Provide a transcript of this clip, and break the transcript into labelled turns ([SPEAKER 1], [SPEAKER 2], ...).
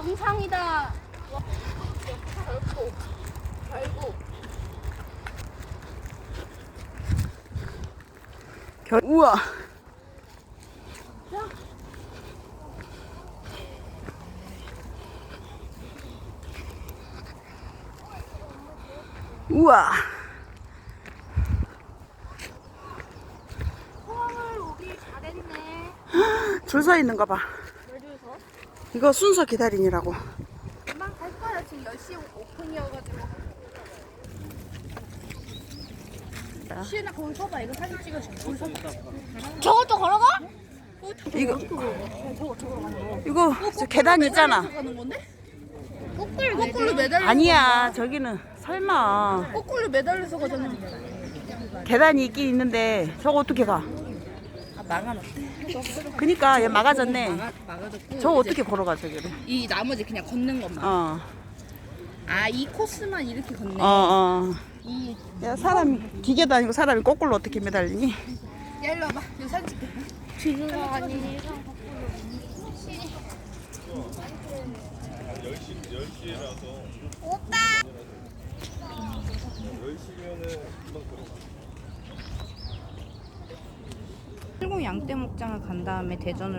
[SPEAKER 1] 정상이다.
[SPEAKER 2] 우와. 우와.
[SPEAKER 1] 포항을 오길 잘했네.
[SPEAKER 2] 줄 서 있는가 봐.
[SPEAKER 1] 왜 줘서?
[SPEAKER 2] 이거 순서 기다리느라고.
[SPEAKER 1] 금방 갈 거야. 지금 10시 오픈이어가지고. 시은아 거기 서봐. 이거 사진 찍어줄게. 거기 서봐. 저것도 걸어가?
[SPEAKER 2] 이거
[SPEAKER 1] 저거
[SPEAKER 2] 이거 저 계단 있잖아.
[SPEAKER 1] 가는 건데? 거꾸로 매달려.
[SPEAKER 2] 아니야, 저기는 설마.
[SPEAKER 1] 거꾸로 매달려서 가잖아.
[SPEAKER 2] 계단이 있긴 있는데 저거 어떻게 가?
[SPEAKER 1] 아 막아놨대.
[SPEAKER 2] 그니까 얘 막아졌네.
[SPEAKER 1] 막아줬고.
[SPEAKER 2] 저거
[SPEAKER 1] 이제
[SPEAKER 2] 어떻게 걸어가 저기를?
[SPEAKER 1] 이 나머지 그냥 걷는 것만.
[SPEAKER 2] 어.
[SPEAKER 1] 아 이 코스만 이렇게 걷네.
[SPEAKER 2] 어.
[SPEAKER 1] 이.
[SPEAKER 2] 야, 사람이 기계도 아니고 사람이 거꾸로 어떻게 매달리니?
[SPEAKER 1] 야 일로 와봐. 여기 사진 찍게. 뒤로가 아니라 오빠.
[SPEAKER 3] 10시면은 금방 들어가.
[SPEAKER 1] 일본 양떼목장을 간 다음에 대전을